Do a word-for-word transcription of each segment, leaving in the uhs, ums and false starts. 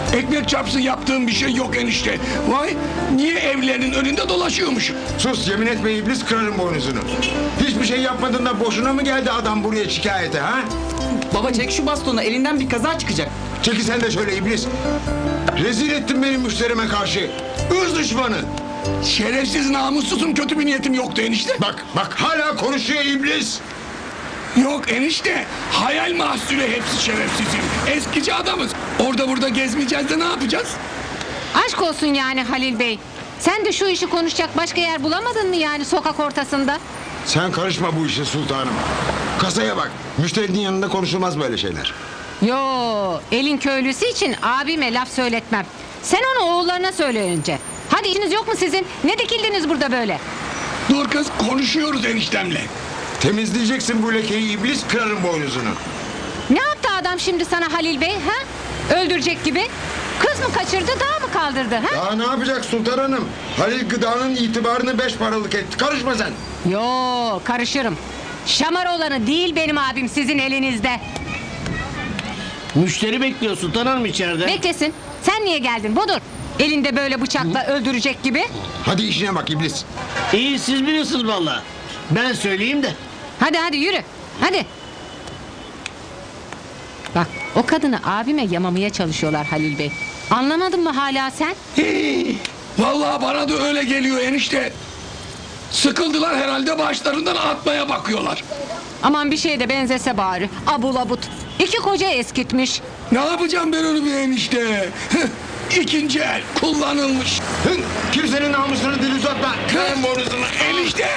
Ekmek çarpsın yaptığım bir şey yok enişte. Vay, niye evlerinin önünde dolaşıyormuşum? Sus, yemin etme iblis, kırarım boynuzunu. Hiçbir şey yapmadın da boşuna mı geldi adam buraya şikayete ha? Baba çek şu bastonu, elinden bir kaza çıkacak. Çeki sen de şöyle iblis. Rezil ettin benim müşterime karşı. Irz düşmanı. Şerefsiz, namussuzum, kötü bir niyetim yoktu enişte. Bak bak hala konuşuyor iblis. Yok enişte, hayal mahsulü hepsi şerefsizim. Eskici adamız. Orada burada gezmeyeceğiz de ne yapacağız? Aşk olsun yani Halil Bey. Sen de şu işi konuşacak başka yer bulamadın mı yani sokak ortasında? Sen karışma bu işe sultanım. Kasaya bak. Müşterinin yanında konuşulmaz böyle şeyler. Yo, elin köylüsü için abime laf söyletmem. Sen onu oğullarına söyle önce. Hadi işiniz yok mu sizin? Ne dikildiniz burada böyle? Dur kız, konuşuyoruz eniştemle. Temizleyeceksin bu lekeyi iblis, kırarım boynuzunu. Ne yaptı adam şimdi sana Halil Bey ha? Öldürecek gibi. Kız mı kaçırdı, dağ mı kaldırdı ha? Daha ne yapacak sultan hanım? Halil Gıda'nın itibarını beş paralık etti. Karışma sen. Yo, karışırım. Şamar olanı değil benim abim sizin elinizde. Müşteri bekliyor Sultan Hanım içeride. Beklesin. Sen niye geldin Budur? Elinde böyle bıçakla öldürecek gibi. Hadi işine bak iblis. İyi siz biliyorsunuz valla. Ben söyleyeyim de. Hadi hadi yürü. Hadi. Bak o kadını abime yamamaya çalışıyorlar Halil Bey. Anlamadın mı hala sen? Hii, vallahi bana da öyle geliyor enişte. Sıkıldılar herhalde, başlarından atmaya bakıyorlar. Aman bir şeye de benzese bari. Abul abut. İki koca eskitmiş. Ne yapacağım ben onu bir enişte? İkinci el kullanılmış. Hı, kimsenin namusunu dil uzatma. Kırarım boynuzunu. Enişte.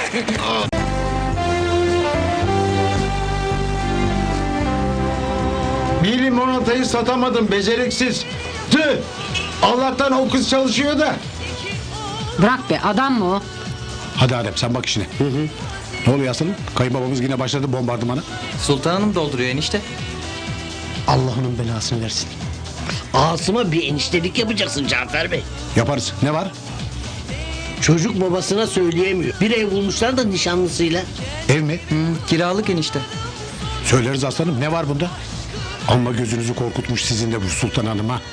Bir limonatayı satamadım beceriksiz. Tüh. Allah'tan o kız çalışıyor da. Bırak be, adam mı o? Hadi Adem sen bak işine. Hı hı. Ne oluyor aslanım? Kayınbabamız yine başladı bombardımana. Sultan Hanım dolduruyor enişte. Allah'ının belasını versin. Asım'a bir eniştelik yapacaksın Cafer Bey. Yaparız. Ne var? Çocuk babasına söyleyemiyor. Bir ev bulmuşlar da nişanlısıyla. Ev mi? Hı, kiralık enişte. Söyleriz aslanım. Ne var bunda? Amma gözünüzü korkutmuş sizin de bu Sultan Hanım ha.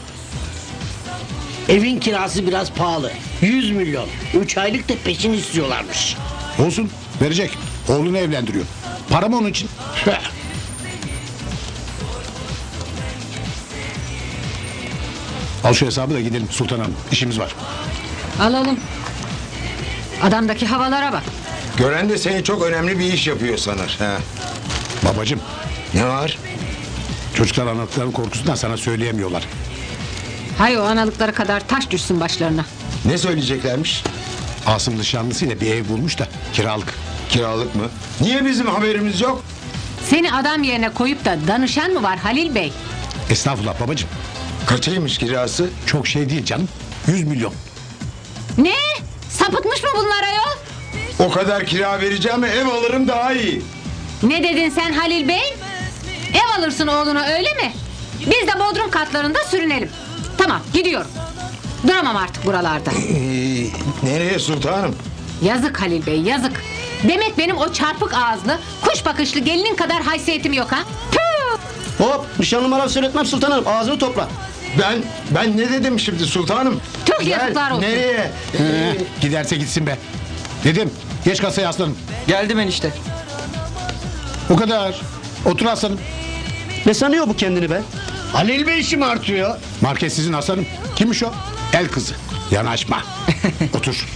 Evin kirası biraz pahalı. Yüz milyon. Üç aylık da peşin istiyorlarmış. Olsun. Verecek. Oğlunu evlendiriyor. Para mı onun için? Al şu hesabı da gidelim Sultan Hanım. İşimiz var. Alalım. Adamdaki havalara bak. Gören de seni çok önemli bir iş yapıyor sanır. Ha. Babacım, Ne var? çocuklar anlattıkların korkusundan sana söyleyemiyorlar. Hay o analıkları kadar taş düşsün başlarına. Ne söyleyeceklermiş? Asım nişanlısıyla bir ev bulmuş da kiralık. Kiralık mı? Niye bizim haberimiz yok? Seni adam yerine koyup da danışan mı var Halil Bey? Estağfurullah babacım. Kaçaymış kirası? Çok şey değil canım. Yüz milyon. Ne? Sapıtmış mı bunlar ayol? O kadar kira vereceğim, ev alırım daha iyi. Ne dedin sen Halil Bey? Ev alırsın oğluna öyle mi? Biz de bodrum katlarında sürünelim. Tamam gidiyorum. Duramam artık buralarda. Ee, nereye sultanım? Yazık Halil Bey yazık. Demek benim o çarpık ağızlı, kuş bakışlı gelinin kadar haysiyetim yok ha? Tüh! Hop nişanlı laf söyletmem Sultan Hanım. Ağzını topla. Ben ben ne dedim şimdi sultanım? Tüh, Gel, yazıklar olsun. Nereye? Ee, giderse gitsin be. Dedim geç kasaya aslanım. Geldim enişte. O kadar. Otur aslanım. Ne sanıyor bu kendini be? Halil Bey işim artıyor. Market sizin aslanım. Kimmiş o? El kızı. Yanaşma. Otur.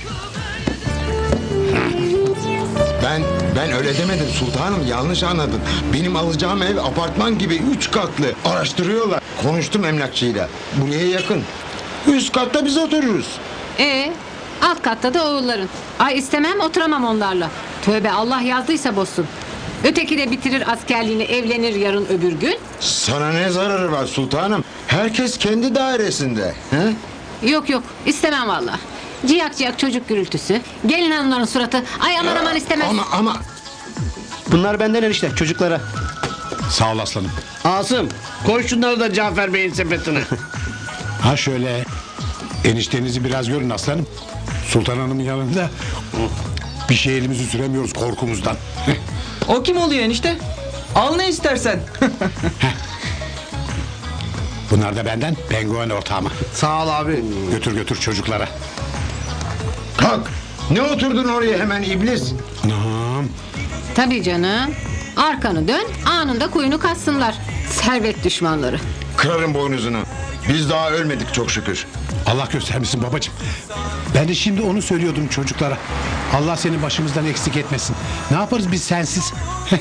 Ben ben öyle demedim sultanım, yanlış anladın. Benim alacağım ev apartman gibi üç katlı. Araştırıyorlar. Konuştum emlakçıyla. Buraya yakın. Üst katta biz otururuz. Ee, alt katta da oğulların. Ay istemem oturamam onlarla. Tövbe Allah yazdıysa bozsun. Öteki de bitirir askerliğini evlenir yarın öbür gün. Sana ne zararı var sultanım? Herkes kendi dairesinde. He? Yok yok istemem valla. Ciyak ciyak çocuk gürültüsü. Gelin hanımların suratı. Ay aman aman istemez. Ama ama Bunlar benden enişte çocuklara. Sağ ol aslanım. Asım koy şunları da Cafer Bey'in sepetine. Ha şöyle. Eniştenizi biraz görün aslanım. Sultan Hanım'ın yanında bir şey elimizi süremiyoruz korkumuzdan. O kim oluyor enişte? Al ne istersen. Bunlar da benden penguen ortağıma. Sağ ol abi. Götür götür çocuklara. Kalk. Ne oturdun oraya hemen iblis? Anam. Tabii canım. Arkanı dön, anında kuyunu kassınlar. Servet düşmanları. Kırarım boynuzunu. Biz daha ölmedik çok şükür. Allah göstermesin babacığım. Ben de şimdi onu söylüyordum çocuklara. Allah seni başımızdan eksik etmesin. Ne yaparız biz sensiz?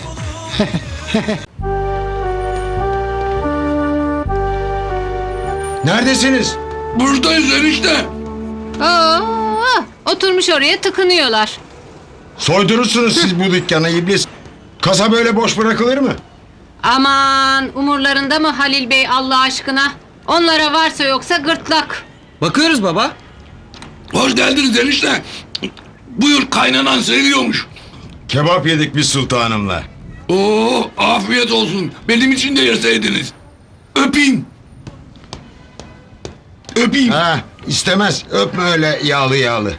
Neredesiniz? Buradayız enişte. Oo, oturmuş oraya tıkınıyorlar. Soydurursunuz siz bu dükkanı iblis. Kasa böyle boş bırakılır mı? Aman umurlarında mı Halil Bey Allah aşkına? Onlara varsa yoksa gırtlak. Bakıyoruz baba. Hoş geldiniz enişte. Buyur, kaynanan seviyormuş. Kebap yedik biz sultanımla. Oo, afiyet olsun. Benim için de yeseydiniz. Öpeyim. Öpeyim. Ha, istemez. Öpme öyle yağlı yağlı.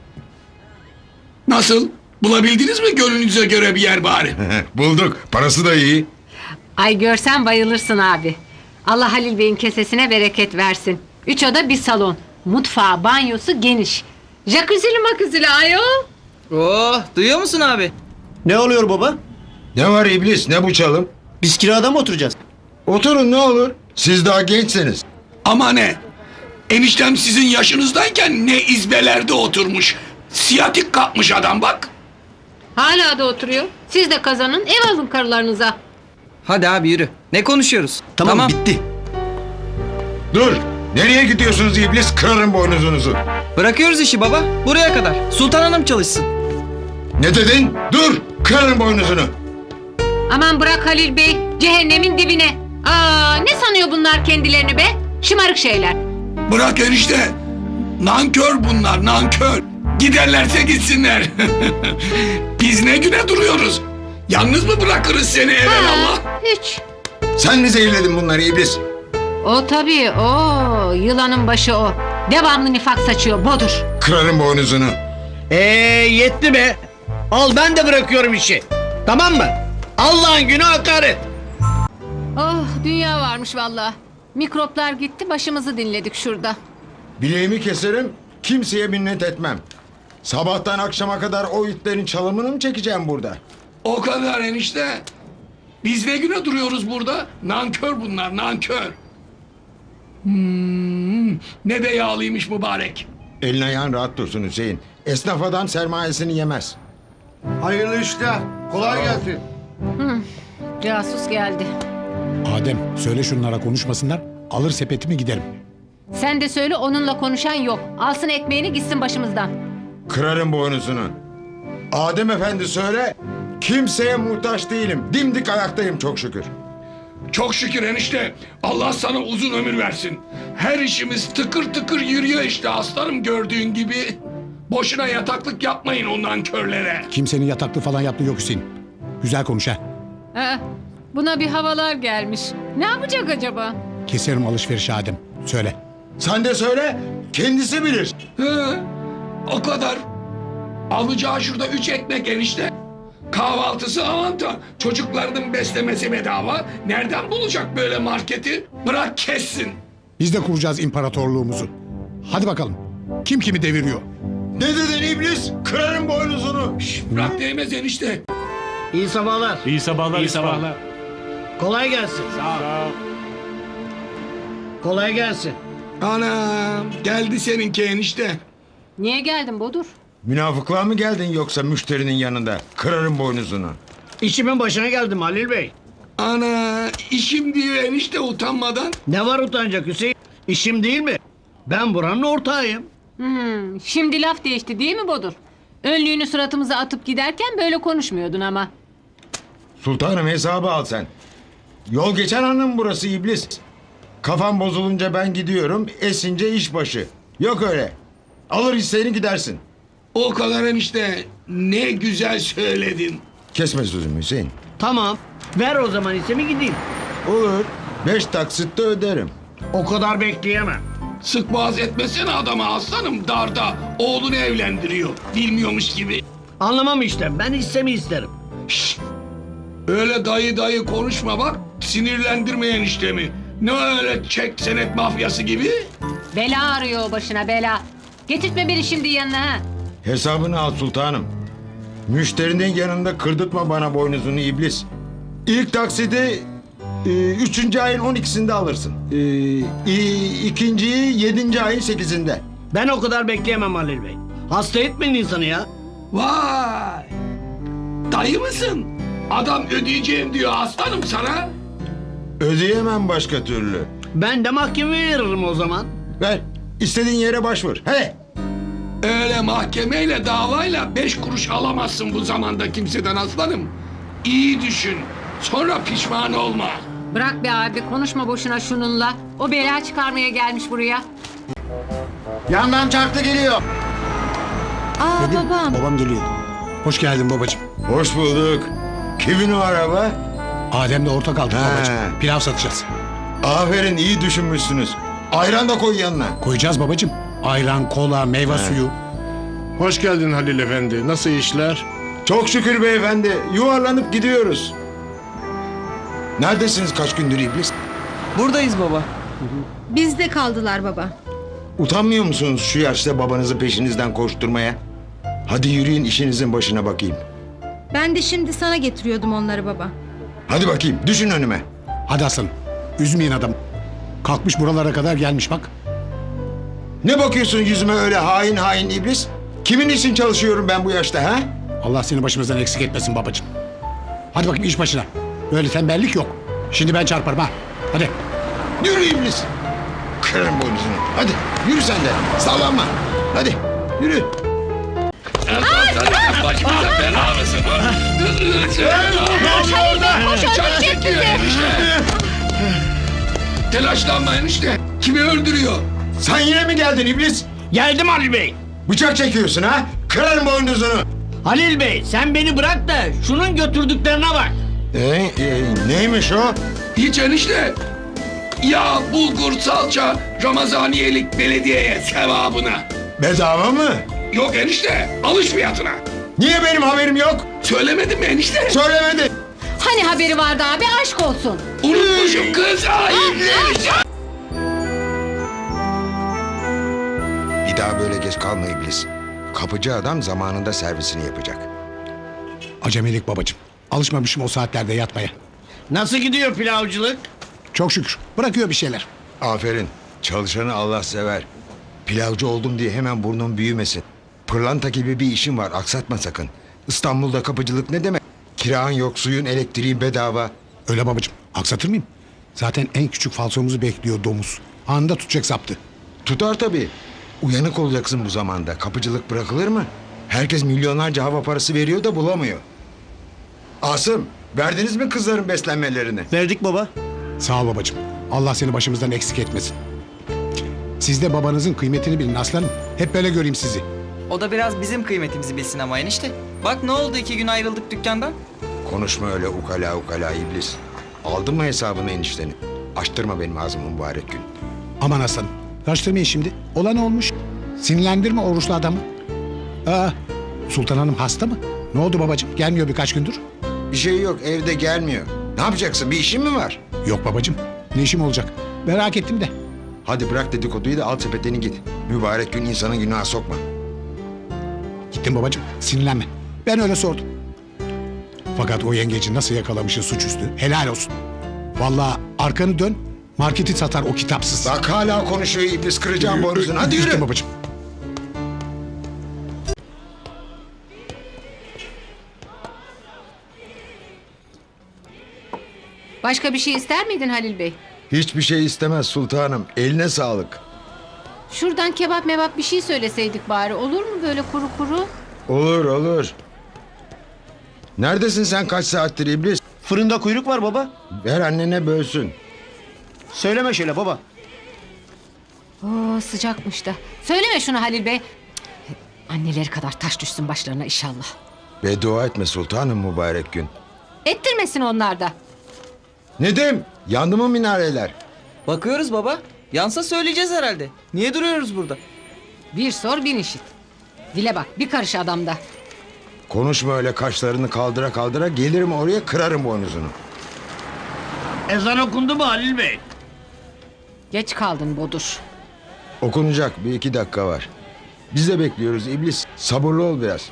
Nasıl? Bulabildiniz mi gönlünüze göre bir yer bari? Bulduk. Parası da iyi. Ay görsen bayılırsın abi. Allah Halil Bey'in kesesine bereket versin. Üç oda bir salon. Mutfağı, banyosu geniş. Jacuzzi'li makuzzi'li ayol. Oh, duyuyor musun abi? Ne oluyor baba? Ne var iblis? Ne bu çalım? Biz kirada mı oturacağız? Oturun ne olur. Siz daha gençsiniz. Ama ne? Eniştem sizin yaşınızdayken ne izbelerde oturmuş. Siyatik kapmış adam bak. Hala da oturuyor. Siz de kazanın, ev alın karılarınıza. Hadi abi yürü. Ne konuşuyoruz? Tamam, bitti. Dur. Nereye gidiyorsunuz iblis? Kırarım boynuzunuzu. Bırakıyoruz işi baba. Buraya kadar. Sultan Hanım çalışsın. Ne dedin? Dur. Kırarım boynuzunu. Aman bırak Halil Bey, cehennemin dibine. Aa, ne sanıyor bunlar kendilerini be? Şımarık şeyler. Bırak enişte. Nankör bunlar, nankör. Giderlerse gitsinler. Biz ne güne duruyoruz? Yalnız mı bırakırız seni evelallah? Ha, hiç. Sen mi zehirledin bunları iblis? O tabii, o yılanın başı o. Devamlı nifak saçıyor, bodur. Kırarım boynuzunu. Ee yetti be. Al ben de bırakıyorum işi. Tamam mı? Allah'ın günü hakaret. Oh, dünya varmış vallahi. Mikroplar gitti, başımızı dinledik şurada. Bileğimi keserim. Kimseye minnet etmem. Sabahtan akşama kadar o itlerin çalımını mı çekeceğim burada? O kadar enişte. Biz ne güne duruyoruz burada? Nankör bunlar, nankör. Hmm, ne de yağlıymış mübarek. Elin ayağın rahat dursun Hüseyin. Esnaf adam sermayesini yemez. Hayırlı işler. Kolay gelsin. Casus geldi. Adem söyle şunlara konuşmasınlar. Alır sepetimi giderim. Sen de söyle onunla konuşan yok. Alsın ekmeğini gitsin başımızdan. Kırarım boynuzunu. Adem efendi söyle. Kimseye muhtaç değilim. Dimdik ayaktayım çok şükür. Çok şükür enişte. Allah sana uzun ömür versin. Her işimiz tıkır tıkır yürüyor işte aslanım gördüğün gibi. Boşuna yataklık yapmayın o nankörlere. Kimsenin yataklı falan yaptığı yok Hüseyin. Güzel konuş ha. Aa, buna bir havalar gelmiş. Ne yapacak acaba? Keserim alışverişi Adem. Söyle. Sen de söyle. Kendisi bilir. He, o kadar. Alacağı şurada üç ekmek enişte. Kahvaltısı avanta. Çocuklarının beslemesi bedava. Nereden bulacak böyle marketi? Bırak kessin. Biz de kuracağız imparatorluğumuzu. Hadi bakalım. Kim kimi deviriyor? Ne dedin iblis? Kırarım boynuzunu. Bırak değmez enişte. İyi sabahlar. İyi sabahlar. İyi sabahlar. Kolay gelsin. Sağ ol. Kolay gelsin. Anam geldi seninki enişte. Niye geldin Bodur? Münafıklığa mı geldin yoksa müşterinin yanında? Kırarım boynuzunu. İşimin başına geldim Halil Bey. Ana işim diyor enişte utanmadan. Ne var utanacak Hüseyin? İşim değil mi? Ben buranın ortağıyım. Hmm, şimdi laf değişti değil mi Bodur? Önlüğünü suratımıza atıp giderken böyle konuşmuyordun ama. Sultanım hesabı al sen. Yol geçen hanım burası iblis. Kafam bozulunca ben gidiyorum, esince iş başı. Yok öyle. Alır hisseni gidersin. O kadar enişte ne güzel söyledin. Kesme sözümü Hüseyin. Tamam. Ver o zaman hissemi gideyim. Olur. Beş taksitte öderim. O kadar bekleyemem. Sık boğaz etmesene adama aslanım darda. Oğlunu evlendiriyor. Bilmiyormuş gibi. Anlamam işte. Ben hissemi isterim. Şşt! Öyle dayı dayı konuşma bak. Sinirlendirme eniştemi. Ne öyle çek senet mafyası gibi? Bela arıyor o başına bela. Getirtme beni şimdi yanına ha. Hesabını al sultanım. Müşterinin yanında kırdırtma bana boynuzunu iblis. İlk taksidi e, üçüncü ayın on ikisinde alırsın. E, i- ikinciyi yedinci ayın sekizinde. Ben o kadar bekleyemem Halil Bey. Hasta etmeyin insanı ya. Vay! Dayı mısın? Adam ödeyeceğim diyor aslanım sana. Ödeyemem başka türlü. Ben de mahkemeye veririm o zaman. Ver. İstediğin yere başvur. He. Öyle mahkemeyle davayla beş kuruş alamazsın bu zamanda kimseden aslanım. İyi düşün. Sonra pişman olma. Bırak be abi konuşma boşuna şununla. O bela çıkarmaya gelmiş buraya. Yandan çarklı geliyor. Aa babam. Babam geliyor. Hoş geldin babacığım. Hoş bulduk. Kimin o araba? Adem'le ortak aldık He. babacığım. Pilav satacağız. Aferin, iyi düşünmüşsünüz. Ayran da koy yanına. Koyacağız babacığım. Ayran, kola, meyve suyu. Hoş geldin Halil Efendi. Nasıl işler? Çok şükür beyefendi. Yuvarlanıp gidiyoruz. Neredesiniz kaç gündür iblis? Buradayız baba. Bizde kaldılar baba. Utanmıyor musunuz şu yaşta babanızı peşinizden koşturmaya? Hadi yürüyün işinizin başına bakayım. Ben de şimdi sana getiriyordum onları baba. Hadi bakayım düşün önüme. Hadi aslanım. Üzmeyin adam. Kalkmış buralara kadar gelmiş bak. Ne bakıyorsun yüzüme öyle hain hain iblis? Kimin için çalışıyorum ben bu yaşta ha? Allah seni başımızdan eksik etmesin babacığım. Hadi bakayım iş başına. Böyle tembellik yok. Şimdi ben çarparım ha. Hadi. Yürü iblis. Kırarım boynuzunu. Hadi yürü sen de. Sallanma. Hadi yürü. Sen başımıza bela mısın? Çark çekiyor enişte. Telaşlanma enişte. Kimi öldürüyor? Sen yine mi geldin iblis? Geldim Halil Bey. Bıçak çekiyorsun ha? Kırarım boynuzunu. Halil Bey sen beni bırak da şunun götürdüklerine bak. Ee, e, neymiş o? Hiç enişte. Yağ, bulgur, salça, Ramazaniyelik belediyeye sevabına. Bedava mı? Yok enişte, alış fiyatına. Niye benim haberim yok? Söylemedim mi enişte? Söylemedi. Hani haberi vardı abi aşk olsun. Unutmuşum kız. Ay, Bir daha böyle geç kalma iblis. Kapıcı adam zamanında servisini yapacak. Acemilik babacığım. Alışmamışım o saatlerde yatmaya. Nasıl gidiyor pilavcılık? Çok şükür. Bırakıyor bir şeyler. Aferin. Çalışanı Allah sever. Pilavcı oldum diye hemen burnun büyümesin. Pırlanta gibi bir işin var. Aksatma sakın. İstanbul'da kapıcılık ne demek? Kiran yok, suyun, elektriğin bedava. Öyle babacığım. Aksatır mıyım? Zaten en küçük falsomuzu bekliyor domuz. Anında tutacak saptı. Tutar tabii. Uyanık olacaksın bu zamanda. Kapıcılık bırakılır mı? Herkes milyonlarca hava parası veriyor da bulamıyor. Asım, verdiniz mi kızların beslenmelerini? Verdik baba. Sağ ol babacığım. Allah seni başımızdan eksik etmesin. Siz de babanızın kıymetini bilin aslanım. Hep böyle göreyim sizi. O da biraz bizim kıymetimizi bilsin ama enişte. Bak ne oldu iki gün ayrıldık dükkandan. Konuşma öyle ukala ukala iblis. Aldın mı hesabını enişteni? Açtırma benim ağzımı mübarek gün. Aman aslanım. Karıştırmayın şimdi. Olan olmuş. Sinirlendirme oruçlu adamı. Aa, Sultan Hanım hasta mı? Ne oldu babacığım? Gelmiyor birkaç gündür. Bir şey yok, evde gelmiyor. Ne yapacaksın, bir işin mi var? Yok babacığım. Ne işim olacak? Merak ettim de. Hadi bırak dedikoduyu da al sepetini git. Mübarek gün insanın günaha sokma. Gittim babacığım. Sinirlenme. Ben öyle sordum. Fakat o yengeci nasıl yakalamışsın suçüstü? Helal olsun. Vallahi arkanı dön. Marketi satar o kitapsız. Bak hala konuşuyor iblis, kıracağım boynuzunu. Hadi yürü. Gittim babacığım. Başka bir şey ister miydin Halil Bey? Hiçbir şey istemez sultanım. Eline sağlık. Şuradan kebap mebap bir şey söyleseydik bari. Olur mu böyle kuru kuru? Olur olur. Neredesin sen kaç saattir iblis? Fırında kuyruk var baba. Ver annene bölsün. Söyleme şöyle baba. Oo sıcakmış da. Söyleme şunu Halil Bey. Cık, anneleri kadar taş düşsün başlarına inşallah. Beddua etme sultanım mübarek gün. Ettirmesin onlar da. Nedim, yandı mı minareler? Bakıyoruz baba. Yansa söyleyeceğiz herhalde. Niye duruyoruz burada? Bir sor bin işit. Dile bak bir karış adamda. Konuşma öyle kaşlarını kaldıra kaldıra, gelirim oraya kırarım boynuzunu. Ezan okundu mu Halil Bey? Geç kaldın Bodur. Okunacak bir iki dakika var. Biz de bekliyoruz iblis. Sabırlı ol biraz.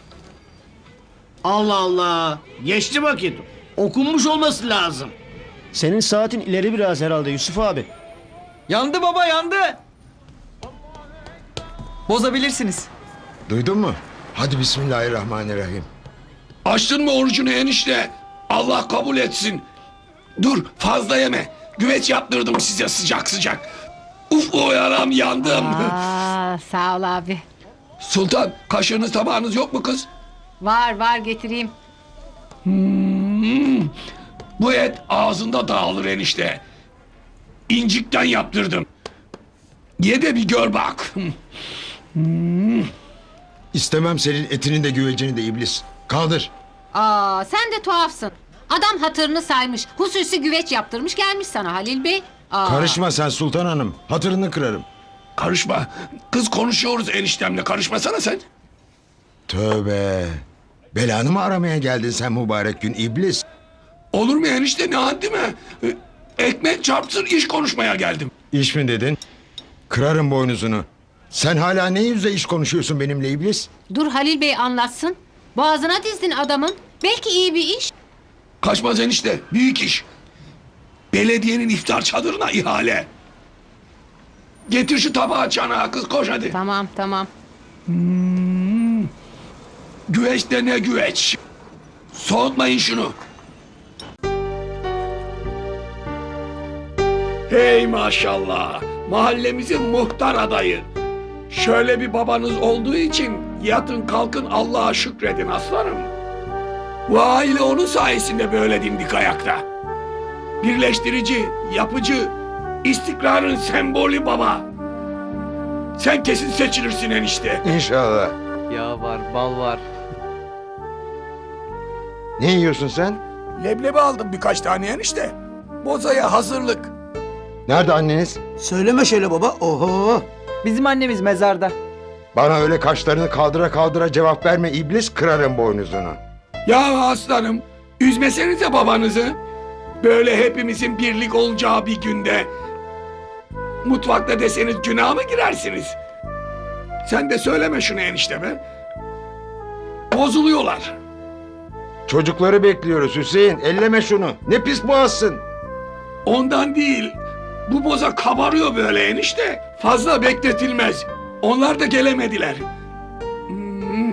Allah Allah. Geçti vakit. Okunmuş olması lazım. Senin saatin ileri biraz herhalde Yusuf abi. Yandı baba yandı. Bozabilirsiniz. Duydun mu? Hadi bismillahirrahmanirrahim. Açtın mı orucunu enişte? Allah kabul etsin. Dur fazla yeme. Güveç yaptırdım size sıcak sıcak. Uf o yaram yandım. Aa, sağ ol abi. Sultan kaşığınız tabağınız yok mu kız? Var var getireyim. Hmm, bu et ağzında dağılır enişte. İncikten yaptırdım. Ye de bir gör bak. İstemem senin etini de güvecini de iblis. Kaldır. Aa, sen de tuhafsın. Adam hatırını saymış. Hususi güveç yaptırmış gelmiş sana Halil Bey. Aa. Karışma sen Sultan Hanım. Hatırını kırarım. Karışma. Kız konuşuyoruz eniştemle. Karışmasana sen. Tövbe. Belanı mı aramaya geldin sen mübarek gün iblis? Olur mu enişte ne haddi mi? Ee, Ekmek çarpsın iş konuşmaya geldim. İş mi dedin? Kırarım boynuzunu. Sen hala ne yüzle iş konuşuyorsun benimle iblis? Dur Halil Bey anlatsın. Boğazına dizdin adamın. Belki iyi bir iş. Kaçmaz enişte. Büyük iş. Belediyenin iftar çadırına ihale. Getir şu tabağı çanağı kız koş hadi. Tamam tamam. Güveç de ne güveç. Soğutmayın şunu. Hey maşallah. Mahallemizin muhtar adayı. Şöyle bir babanız olduğu için yatın kalkın Allah'a şükredin aslanım. Bu aile onun sayesinde böyle dimdik ayakta. Birleştirici, yapıcı, istikrarın sembolü baba. Sen kesin seçilirsin enişte. İnşallah. Ya var bal var. Ne yiyorsun sen? Leblebi aldım birkaç tane enişte. Bozaya hazırlık. Nerede anneniz? Söyleme şöyle baba. Oho. Bizim annemiz mezarda. Bana öyle kaşlarını kaldıra kaldıra cevap verme iblis, kırarım boynuzunu. Ya aslanım, üzmesenize babanızı. Böyle hepimizin birlik olacağı bir günde mutfakta deseniz günah mı girersiniz? Sen de söyleme şunu enişte be. Bozuluyorlar. Çocukları bekliyoruz Hüseyin. Elleme şunu. Ne pis boğazsın. Ondan değil. Bu boza kabarıyor böyle enişte. Fazla bekletilmez. Onlar da gelemediler. Hmm.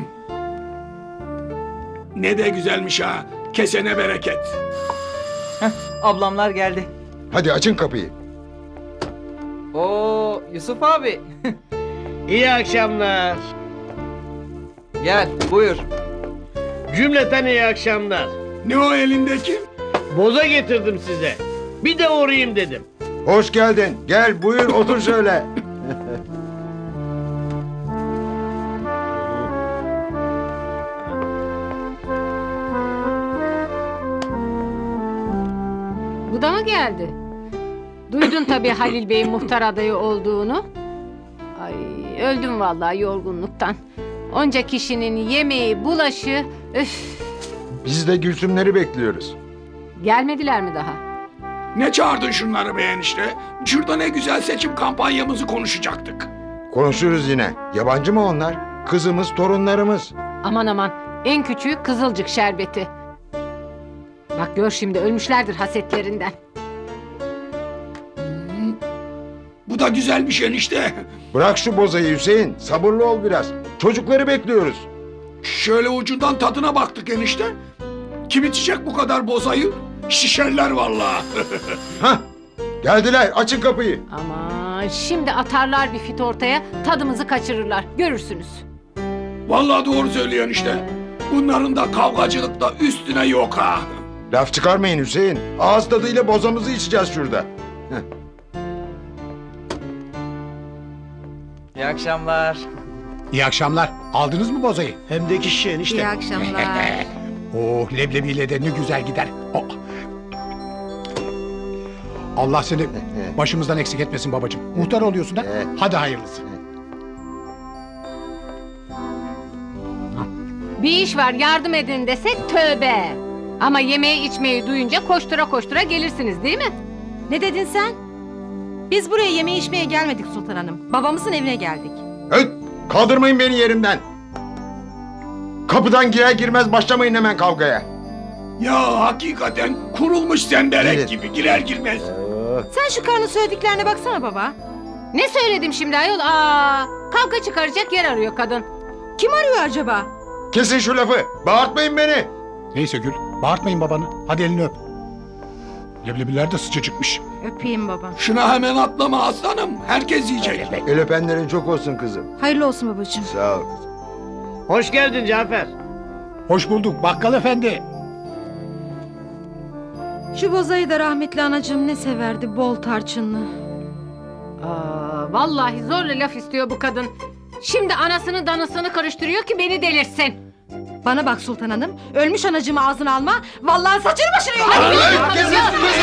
Ne de güzelmiş ha. Kesene bereket. Ablamlar geldi. Hadi açın kapıyı. Oo Yusuf abi. İyi akşamlar. Gel buyur. Cümleten iyi akşamlar. Ne o elindeki? Boza getirdim size. Bir de uğrayayım dedim. Hoş geldin. Gel buyur otur şöyle. Bu da mı geldi? Duydun tabii Halil Bey'in muhtar adayı olduğunu. Ay öldüm vallahi yorgunluktan. Onca kişinin yemeği, bulaşı... Üf, Biz de Gülsümleri bekliyoruz. gelmediler mi daha? Ne çağırdın şunları be enişte? Şurada ne güzel seçim kampanyamızı konuşacaktık. Konuşuruz yine. Yabancı mı onlar? Kızımız, torunlarımız. Aman aman en küçüğü Kızılcık şerbeti. Bak gör şimdi ölmüşlerdir hasetlerinden. Bu da güzelmiş enişte. Bırak şu bozayı Hüseyin. Sabırlı ol biraz. Çocukları bekliyoruz. Şöyle ucundan tadına baktık enişte. Kim içecek bu kadar bozayı? Şişerler vallahi. Hah. Geldiler. Açın kapıyı. Aman şimdi atarlar bir fit ortaya tadımızı kaçırırlar görürsünüz. Vallahi doğru söylüyorsun işte. Bunların da kavgacılıkta üstüne yok ha. Laf çıkarmayın Hüseyin. Ağız tadıyla bozamızı içeceğiz şurada. İyi akşamlar. İyi akşamlar. Aldınız mı bozayı? Hem de iki şişe İyi enişte. akşamlar. Oh leblebiyle de ne güzel gider. Oh. Allah seni başımızdan eksik etmesin babacığım. Muhtar oluyorsun ha? Hadi hayırlısı. Bir iş var yardım edin desek tövbe. Ama yemeği içmeyi duyunca koştura koştura gelirsiniz değil mi? Ne dedin sen? Biz buraya yeme içmeye gelmedik Sultan Hanım. Babamızın evine geldik. Öt! Kaldırmayın beni yerimden. Kapıdan girer girmez başlamayın hemen kavgaya. Ya hakikaten kurulmuş zemberek Evet. gibi girer girmez. Sen şu karının söylediklerine baksana baba. Ne söyledim şimdi ayol? Aa, kavga çıkaracak yer arıyor kadın. Kim arıyor acaba? Kesin şu lafı. Bağırtmayın beni. Neyse Gül, bağırtmayın babanı. Hadi elini öp. Leblebiler de sıcacıkmış. Öpeyim baba. Şuna hemen atlama aslanım. Herkes yiyecek. El öpenlerin çok olsun kızım. Hayırlı olsun babacığım. Sağ ol. Hoş geldin Cafer. Hoş bulduk bakkal efendi. Şu bozayı da rahmetli anacığım ne severdi bol tarçınlı. Aa, vallahi zorla laf istiyor bu kadın. Şimdi anasını danısını karıştırıyor ki beni delirsin. Bana bak Sultan Hanım. Ölmüş anacığımı ağzına alma. Vallahi saçını başını yolarım. Kesin,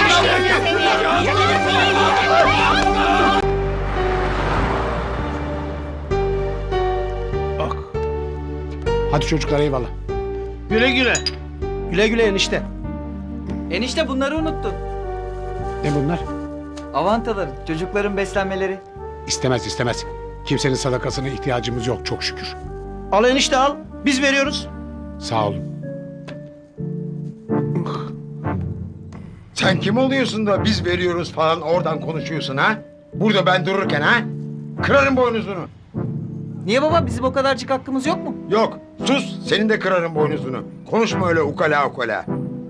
Bak. Hadi çocuklar eyvallah. Güle güle. Güle güle enişte. Enişte bunları unuttun. Ne bunlar? Avantaları, çocukların beslenmeleri. İstemez istemez. Kimsenin sadakasına ihtiyacımız yok çok şükür. Al enişte al. Biz veriyoruz. Sağ olun. Sen kim oluyorsun da biz veriyoruz falan oradan konuşuyorsun ha? Burada ben dururken ha? Kırarım boynuzunu. Niye baba bizim o kadarcık hakkımız yok mu? Yok sus senin de kırarım boynuzunu. Konuşma öyle ukala ukala.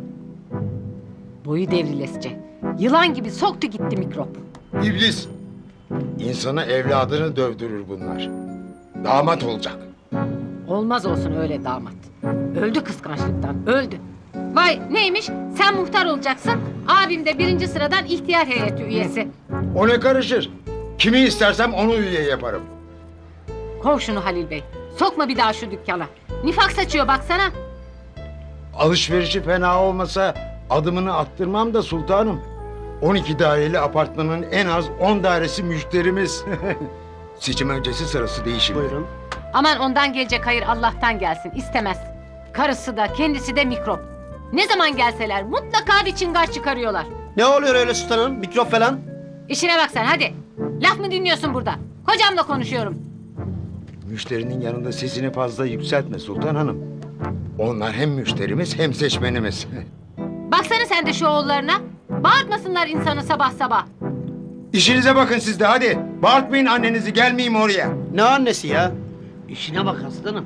Boyu devrilesice. Yılan gibi soktu gitti mikrop. İblis. İnsana evladını dövdürür bunlar. Damat olacak. Olmaz olsun öyle damat. Öldü kıskançlıktan, öldü. Vay neymiş? Sen muhtar olacaksın. Abim de birinci sıradan ihtiyar heyeti üyesi. O ne karışır? Kimi istersem onu üye yaparım. Kov şunu Halil Bey. Sokma bir daha şu dükkana. Nifak saçıyor baksana. Alışverişi fena olmasa adımını attırmam da sultanım. on iki daireli apartmanın en az on dairesi müşterimiz. Seçim öncesi sırası değişim. Buyurun. Aman ondan gelecek hayır Allah'tan gelsin. İstemez. Karısı da kendisi de mikrop. Ne zaman gelseler mutlaka bir çıngar çıkarıyorlar. Ne oluyor öyle sultanım? Mikrop falan. İşine bak sen hadi. Laf mı dinliyorsun burada? Kocamla konuşuyorum. Müşterinin yanında sesini fazla yükseltme sultan hanım. Onlar hem müşterimiz hem seçmenimiz. Baksana sen de şu oğullarına. Bağırtmasınlar insanı sabah sabah. İşinize bakın siz de hadi. Bağırtmayın annenizi gelmeyeyim oraya. Ne annesi ya? İşine bak aslanım.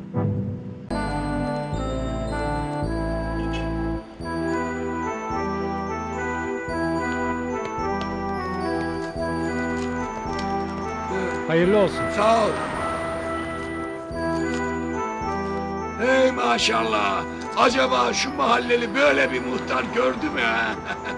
Hayırlı olsun. Sağ ol. Hey maşallah. Acaba şu mahalleli böyle bir muhtar gördü mü ha?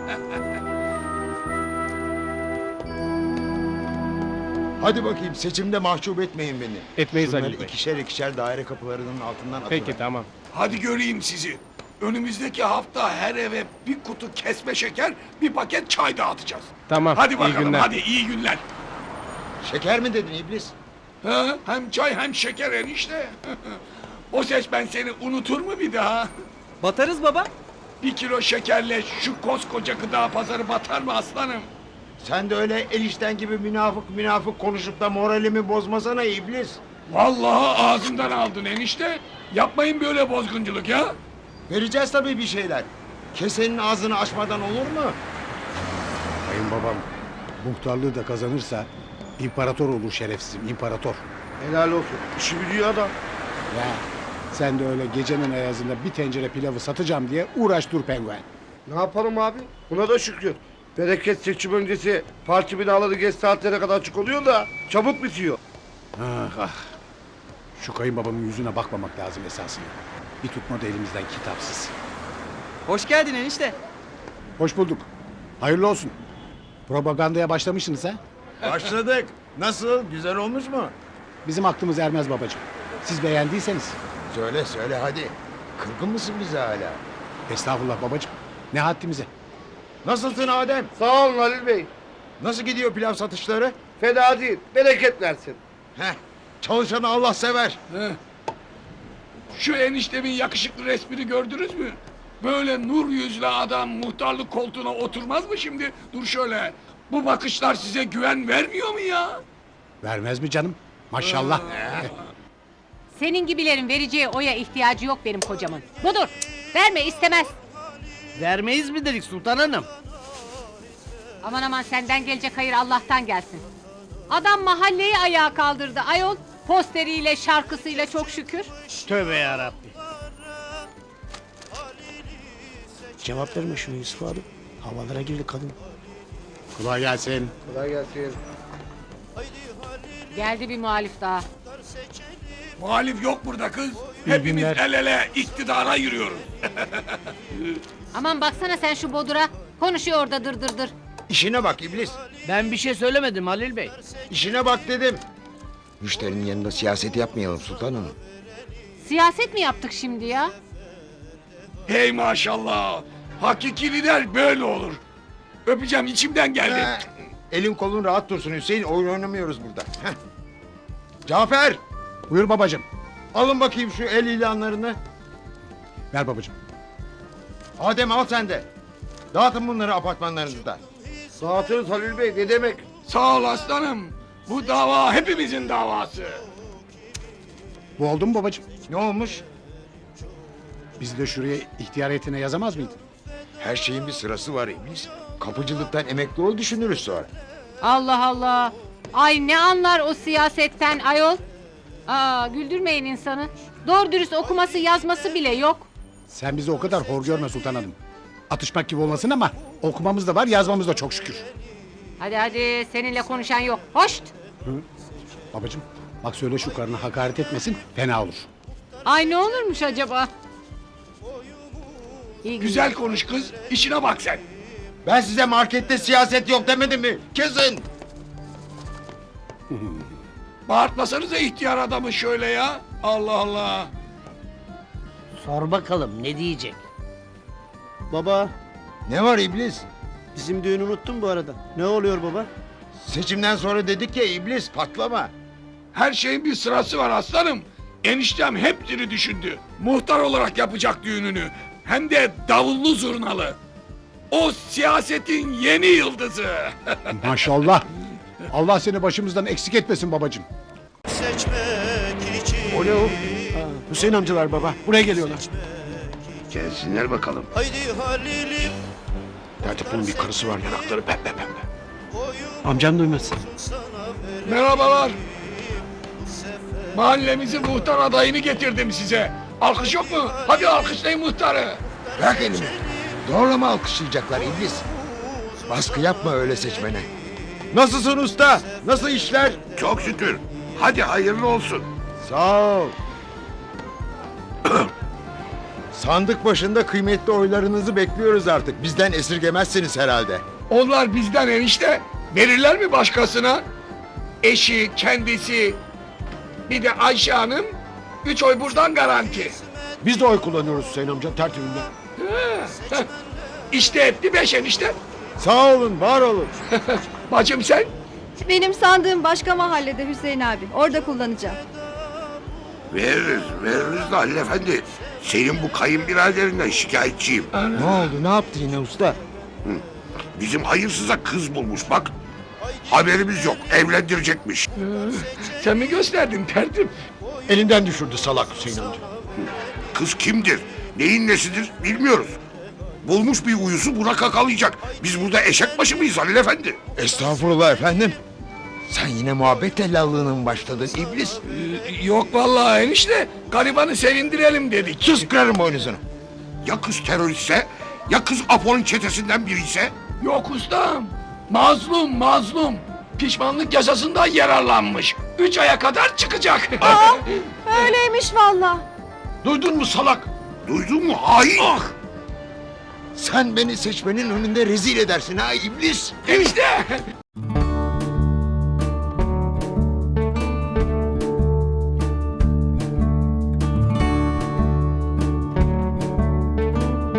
Hadi bakayım seçimde mahcup etmeyin beni. Etmeyiz Şunları Halil Bey. ikişer ikişer daire kapılarının altından atın. Peki tamam. Hadi göreyim sizi. Önümüzdeki hafta her eve bir kutu kesme şeker, bir paket çay dağıtacağız. Tamam. Hadi bakalım, hadi iyi günler. Şeker mi dedin iblis? Ha, hem çay hem şeker enişte. O ses ben seni unutur mu bir daha? Batarız baba. Bir kilo şekerle şu koskoca gıda pazarı batar mı aslanım? Sen de öyle enişten gibi münafık münafık konuşup da moralimi bozmasana iblis. Vallahi ağzından aldın enişte. Yapmayın böyle bozgunculuk ya. Vereceğiz tabii bir şeyler. Kesenin ağzını açmadan olur mu? Kayınbabam muhtarlığı da kazanırsa imparator olur şerefsizim imparator. Helal olsun. İşi biliyor adam. Ya sen de öyle gecenin ayazında bir tencere pilavı satacağım diye uğraş dur penguen. Ne yapalım abi? Buna da şükür. Bereket seçim öncesi parti binaları geç saatlere kadar açık oluyor da çabuk bitiyor. Ah ah. Şu kayınbabamın yüzüne bakmamak lazım esasında. Bir tutmadı elimizden kitapsız. Hoş geldin enişte. Hoş bulduk. Hayırlı olsun. Propagandaya başlamışsınız ha? Başladık. Nasıl? Güzel olmuş mu? Bizim aklımız ermez babacığım. Siz beğendiyseniz. Söyle söyle hadi. Kırgın mısın bize hala? Estağfurullah babacığım. Ne haddimize. Nasılsın Adem? Sağ olun Halil Bey. Nasıl gidiyor pilav satışları? Fena değil. Bereket versin. Heh. Çalışanı Allah sever. Heh. Şu eniştemin yakışıklı resmini gördünüz mü? Böyle nur yüzlü adam muhtarlık koltuğuna oturmaz mı şimdi? Dur şöyle. Bu bakışlar size güven vermiyor mu ya? Vermez mi canım? Maşallah. Senin gibilerin vereceği oya ihtiyacı yok benim kocamın. Budur. Verme istemez. Vermeyiz mi dedik Sultan Hanım? Aman aman senden gelecek hayır Allah'tan gelsin. Adam mahalleyi ayağa kaldırdı ayol. Posteriyle şarkısıyla çok şükür. Tövbe yarabbi. Cevap verme şunu Yusuf abi. Havalara girdi kadın. Kolay gelsin. Kolay gelsin. Geldi bir muhalif daha. Muhalif yok burada kız. Hepimiz günler. el ele iktidara yürüyoruz. Aman baksana sen şu bodura. Konuşuyor orada dır dır dır. İşine bak iblis. Ben bir şey söylemedim Halil Bey. İşine bak dedim. Müşterinin yanında siyaset yapmayalım Sultan Hanım. Siyaset mi yaptık şimdi ya? Hey maşallah. Hakiki lider böyle olur. Öpeceğim içimden geldi. Ha, elin kolun rahat dursun Hüseyin. Oyun oynamıyoruz burada. Heh. Cafer, Buyur babacığım. alın bakayım şu el ilanlarını. Ver babacığım. Adem al sen de. Dağıtın bunları apartmanlarınızda. Dağıtırız Halil Bey ne demek? Sağ ol aslanım. Bu dava hepimizin davası. Bu oldu mu babacığım? Ne olmuş? Bizi de şuraya ihtiyar heyetine yazamaz mıydın? Her şeyin bir sırası var iblis. Kapıcılıktan emekli ol düşünürüz sonra. Allah Allah. Ay ne anlar o siyasetten ayol. Aa güldürmeyin insanı. Doğru dürüst okuması yazması bile yok. Sen bizi o kadar hor görme Sultan Hanım. Atışmak gibi olmasın ama okumamız da var, yazmamız da çok şükür. Hadi hadi seninle konuşan yok. Hoşt. Babacığım bak söyle şu karına hakaret etmesin, fena olur. Ay ne olurmuş acaba? İyi Güzel konuş kız. İşine bak sen. Ben size markette siyaset yok demedim mi? Kesin. Bağırtmasanıza ihtiyar adamı şöyle ya. Allah Allah. Sor bakalım ne diyecek? Baba Ne var iblis? bizim düğünü unuttun bu arada. Ne oluyor baba? Seçimden sonra dedik ya iblis patlama. Her şeyin bir sırası var aslanım. Eniştem hepsini düşündü. Muhtar olarak yapacak düğününü. Hem de davullu zurnalı. O siyasetin yeni yıldızı. Maşallah. Allah seni başımızdan eksik etmesin babacığım. O ne o? Ha, Hüseyin amcalar baba. Buraya geliyorlar. Gelsinler bakalım. Tertip'in bir karısı var, yanakları pembe pembe. Amcam duymasın. Merhabalar. Mahallemizin muhtar adayını getirdim size. Alkış yok mu? Hadi alkışlayın muhtarı. Bırak elimi. Zorlama alkışlayacaklar iblis. Baskı yapma öyle seçmene. Nasılsın usta? Nasıl işler? Çok şükür. Hadi hayırlı olsun. Sağ ol. Sandık başında kıymetli oylarınızı bekliyoruz artık. Bizden esirgemezsiniz herhalde. Onlar bizden enişte. Verirler mi başkasına? Eşi, kendisi, bir de Ayşe Hanım. Üç oy buradan garanti. Biz de oy kullanıyoruz Hüseyin amca tertibinde. İşte etti beş enişte. Sağ olun, var olun. Bacım sen? Benim sandığım başka mahallede Hüseyin abi. Orada kullanacağım. Veririz, veririz de Halil Efendi. Senin bu kayınbiraderinden şikayetçiyim. Ne oldu, ne yaptı yine usta? Bizim hayırsıza kız bulmuş bak. Haberimiz yok, evlendirecekmiş. Sen mi gösterdin tertip? Elinden düşürdü salak Hüseyin amca. Kız kimdir, neyin nesidir bilmiyoruz. Bulmuş bir uyusu buna kakalayacak. Biz burada eşek başı mıyız Halil Efendi? Estağfurullah efendim. Sen yine muhabbet tellallığına mı başladın iblis? Ee, Yok vallahi enişte. Garibanı sevindirelim dedik. Sus kırarım boynuzunu. Ya kız teröristse, ya kız Apo'nun çetesinden biri ise? Yok ustam. Mazlum mazlum. Pişmanlık yasasından yararlanmış. Üç aya kadar çıkacak. Öyleymiş valla. Duydun mu salak? Duydun mu hain? Sen beni seçmenin önünde rezil edersin ha iblis. Enişte